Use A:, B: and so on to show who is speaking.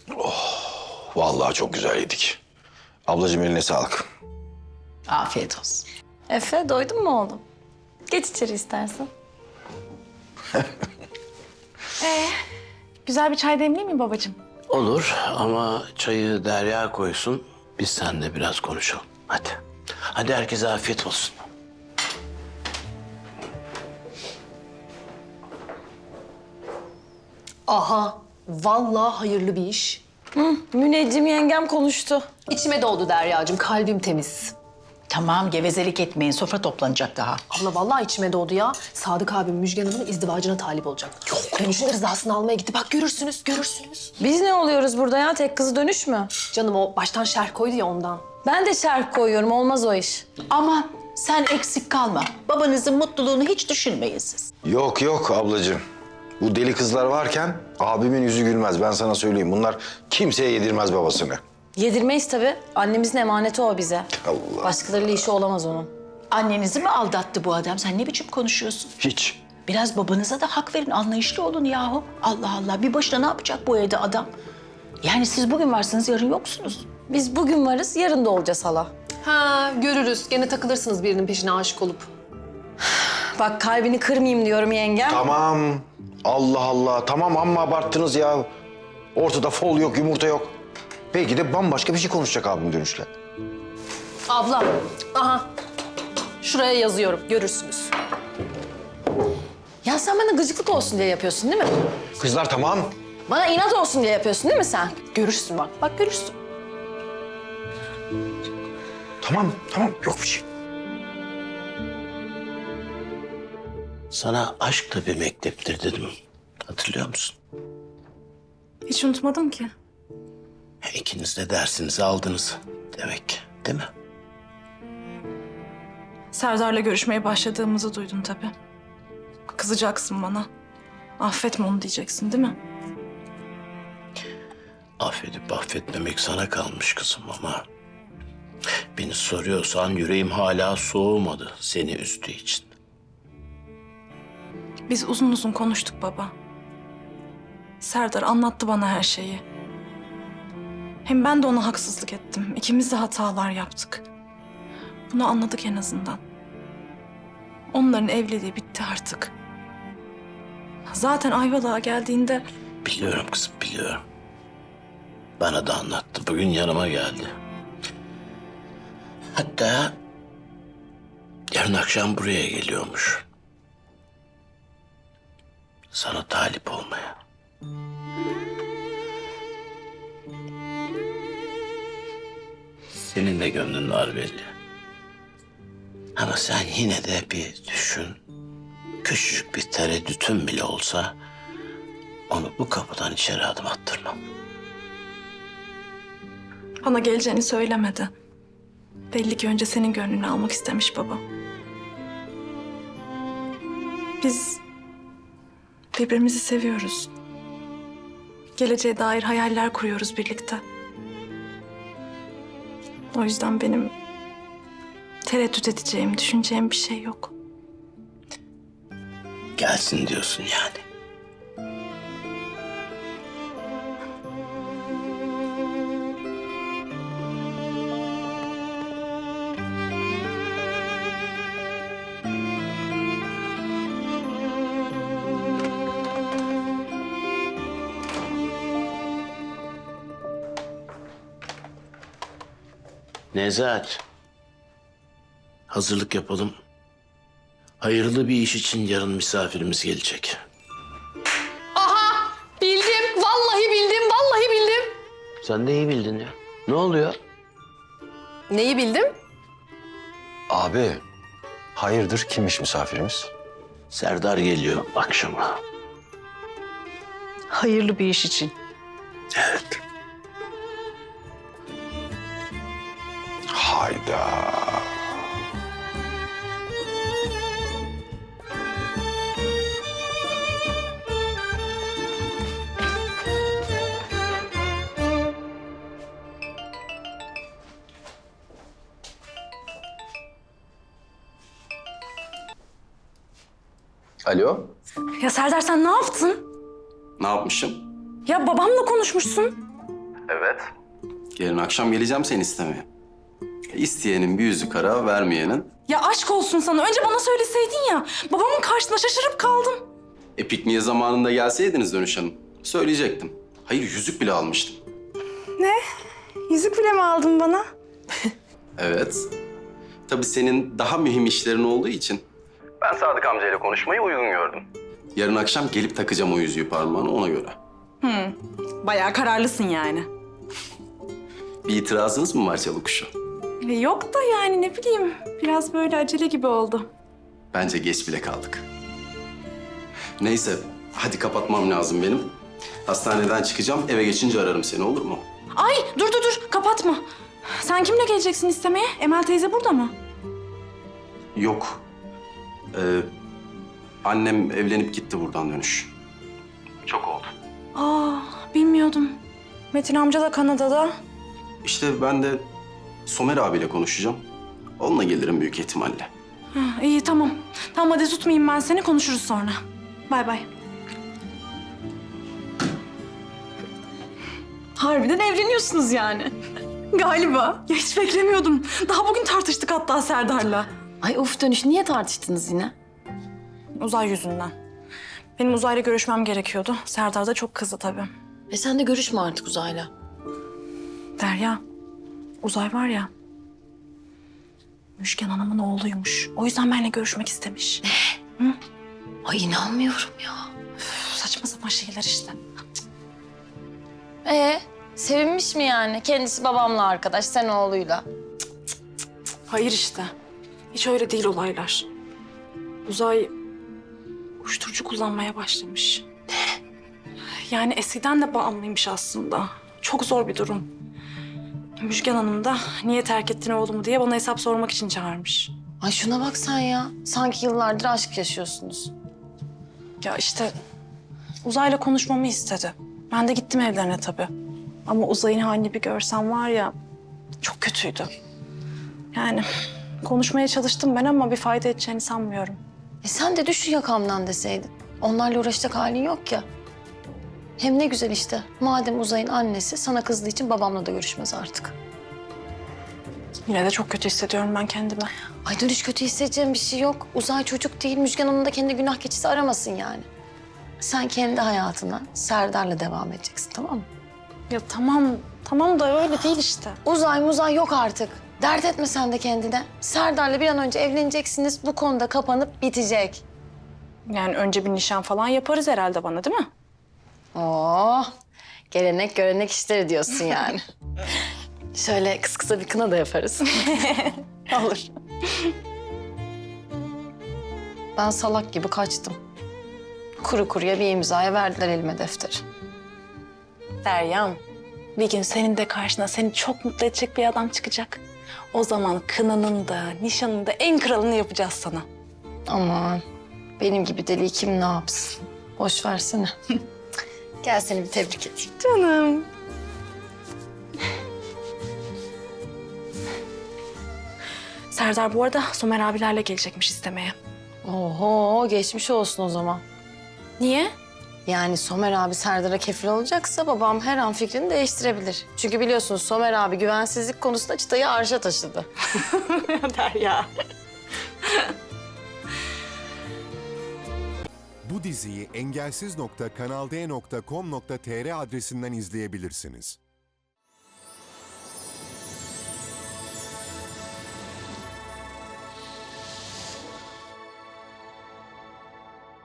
A: Vallahi çok güzel yedik. Ablacığım eline sağlık.
B: Afiyet olsun.
C: Efe doydun mu oğlum? Geç içeri istersen.
D: Güzel bir çay demleyeyim mi babacığım?
E: Olur ama çayı Derya koysun. Biz seninle biraz konuşalım. Hadi. Hadi herkese afiyet olsun.
F: Aha, vallahi hayırlı bir iş.
C: Müneccim yengem konuştu.
F: İçime doğdu Deryacığım, kalbim temiz.
B: Tamam, gevezelik etmeyin. Sofra toplanacak daha.
F: Abla vallahi içime doğdu ya. Sadık abim Müjgan Hanım'ın izdivacına talip olacak. Yok. Dönüşünde rızasını almaya gitti. Bak görürsünüz, görürsünüz.
C: Biz ne oluyoruz burada ya? Tek kızı dönüş mü?
F: Canım o baştan şerh koydu ya ondan.
C: Ben de şerh koyuyorum. Olmaz o iş.
B: Aman sen eksik kalma. Babanızın mutluluğunu hiç düşünmeyin siz.
A: Yok yok ablacığım. Bu deli kızlar varken abimin yüzü gülmez. Ben sana söyleyeyim. Bunlar kimseye yedirmez babasını.
C: Yedirmeyiz tabii. Annemizin emaneti o bize.
A: Allah.
C: Başkalarıyla işi olamaz onun.
B: Annenizi mi aldattı bu adam? Sen ne biçim konuşuyorsun?
A: Hiç.
B: Biraz babanıza da hak verin, anlayışlı olun yahu. Allah Allah, bir başına ne yapacak bu evde adam? Yani siz bugün varsınız, yarın yoksunuz.
C: Biz bugün varız, yarın da olacağız hala.
F: Ha görürüz. Gene takılırsınız birinin peşine aşık olup.
C: Bak kalbini kırmayayım diyorum yengem.
A: Tamam. Allah Allah. Tamam amma abarttınız ya. Ortada fol yok, yumurta yok. Belki de bambaşka bir şey konuşacak abim dönüşle.
F: Abla, aha. Şuraya yazıyorum, görürsünüz.
C: Ya sen bana gıcıklık olsun diye yapıyorsun değil mi?
A: Kızlar tamam.
C: Bana inat olsun diye yapıyorsun değil mi sen?
F: Görürsün bak, bak görürsün.
A: Tamam, tamam. Yok bir şey.
E: Sana aşk da bir mekteptir dedim. Hatırlıyor musun?
D: Hiç unutmadım ki.
E: İkiniz de dersinizi aldınız demek, değil mi?
D: Serdar'la görüşmeye başladığımızı duydum tabii. Kızacaksın bana. Affetme onu diyeceksin değil mi?
E: Affedip affetmemek sana kalmış kızım ama... Beni soruyorsan yüreğim hala soğumadı seni üzdüğü için.
D: Biz uzun uzun konuştuk baba. Serdar anlattı bana her şeyi. Hem ben de ona haksızlık ettim. İkimiz de hatalar yaptık. Bunu anladık en azından. Onların evliliği bitti artık. Zaten Ayvalık'a geldiğinde
E: Biliyorum kızım, biliyorum. Bana da anlattı. Bugün yanıma geldi. Hatta yarın akşam buraya geliyormuş. Sana talip olmaya. Senin de gönlün var belli. Ama sen yine de bir düşün. Küçücük bir tereddütün bile olsa onu bu kapıdan içeri adım attırmam.
D: bana geleceğini söylemedi. Belli ki önce senin gönlünü almak istemiş baba. Biz birbirimizi seviyoruz. Geleceğe dair hayaller kuruyoruz birlikte. O yüzden benim tereddüt edeceğim, düşüneceğim bir şey yok.
E: Gelsin diyorsun yani. Nezahat. Hazırlık yapalım. Hayırlı bir iş için yarın misafirimiz gelecek.
F: Aha, bildim. Vallahi bildim, vallahi bildim.
E: Sen de iyi bildin ya. Ne oluyor?
F: Neyi bildim?
A: Abi, hayırdır kimmiş misafirimiz?
E: Serdar geliyor akşama.
B: Hayırlı bir iş için.
E: Evet.
A: Hayda. Alo?
D: Ya Serdar sen ne yaptın?
G: Ne yapmışım?
D: Ya babamla konuşmuşsun.
G: Evet. Yarın akşam geleceğim seni istemeye. İsteyenin bir yüzü kara, vermeyenin.
D: Ya aşk olsun sana. Önce bana söyleseydin ya. Babamın karşısında şaşırıp kaldım.
G: Pikniğe zamanında gelseydiniz Dönüş Hanım. Söyleyecektim. Hayır, yüzük bile almıştım.
D: Yüzük bile mi aldın bana?
G: Evet. Tabii senin daha mühim işlerin olduğu için. Ben Sadık amcayla konuşmayı uygun gördüm. Yarın akşam gelip takacağım o yüzüğü parmağına, ona göre.
D: Bayağı kararlısın yani.
G: Bir itirazınız mı var Çalıkuşu?
D: Yok da yani ne bileyim. Biraz böyle acele gibi oldu.
G: Bence geç bile kaldık. Neyse, hadi kapatmam lazım benim. Hastaneden çıkacağım, eve geçince ararım seni, olur mu?
D: Ay dur kapatma. Sen kimle geleceksin istemeye? Emel teyze burada mı?
G: Yok. Annem evlenip gitti buradan Dönüş. Çok oldu.
D: Aa bilmiyordum. Metin amca da Kanada'da.
G: İşte ben de Somer abiyle konuşacağım. Onunla gelirim büyük ihtimalle.
D: İyi tamam. Tamam hadi tutmayayım ben seni, konuşuruz sonra. Bay bay. Harbiden evleniyorsunuz yani. Galiba. Ya hiç beklemiyordum. Daha bugün tartıştık hatta Serdar'la.
C: Ay of Dönüş, niye tartıştınız yine?
D: Uzay yüzünden. Benim Uzay'la görüşmem gerekiyordu. Serdar da çok kızdı tabii.
C: Sen de görüşme artık Uzay'la.
D: Derya, Uzay var ya, Müjgan Hanım'ın oğluymuş. O yüzden benimle görüşmek istemiş.
C: Ay inanmıyorum ya.
D: Üf, saçma sapan şeyler işte.
C: Sevinmiş mi yani? Kendisi babamla arkadaş, sen oğluyla.
D: Hayır işte. Hiç öyle değil olaylar. Uzay uyuşturucu kullanmaya başlamış. Yani eskiden de bağımlıymış aslında. Çok zor bir durum. Müjgan Hanım da niye terk ettin oğlumu diye bana hesap sormak için çağırmış.
C: Ay şuna bak sen ya. Sanki yıllardır aşk yaşıyorsunuz.
D: Ya işte Uzay'la konuşmamı istedi. Ben de gittim evlerine tabii. Ama Uzay'ın halini bir görsem var ya, çok kötüydü. Yani konuşmaya çalıştım ben ama bir fayda edeceğini sanmıyorum.
C: Sen de düş şu yakamdan deseydin. Onlarla uğraşacak halin yok ya. Hem ne güzel işte. Madem Uzay'ın annesi sana kızdığı için babamla da görüşmez artık.
D: Yine de çok kötü hissediyorum ben kendimi.
C: Ay Dönüş, kötü hissedeceğim bir şey yok. Uzay çocuk değil. Müjgan Hanım da kendi günah keçisi aramasın yani. Sen kendi hayatına Serdar'la devam edeceksin, tamam mı?
D: Ya tamam da öyle değil işte.
C: Uzay yok artık. Dert etme sen de kendine. Serdar'la bir an önce evleneceksiniz. Bu konuda kapanıp bitecek.
D: Yani önce bir nişan falan yaparız herhalde bana, değil mi?
C: Gelenek görenek işleri diyorsun yani. Şöyle kısa bir kına da yaparız.
D: Olur.
C: Ben salak gibi kaçtım. Kuru kuruya bir imzaya verdiler elime defteri.
D: Deryam, bir gün senin de karşına seni çok mutlu edecek bir adam çıkacak. O zaman kınanın da, nişanın da en kralını yapacağız sana.
C: Aman benim gibi deli kim ne yapsın? Boş versene. Gel seni bir tebrik edeyim.
D: Canım. Serdar bu arada Somer abilerle gelecekmiş istemeye.
C: Oho, geçmiş olsun o zaman.
D: Niye?
C: Yani Somer abi Serdar'a kefil olacaksa babam her an fikrini değiştirebilir. Çünkü biliyorsunuz Somer abi güvensizlik konusunda çıtayı arşa taşıdı.
D: Derya.
H: Bu diziyi engelsiz.kanalde.com.tr adresinden izleyebilirsiniz.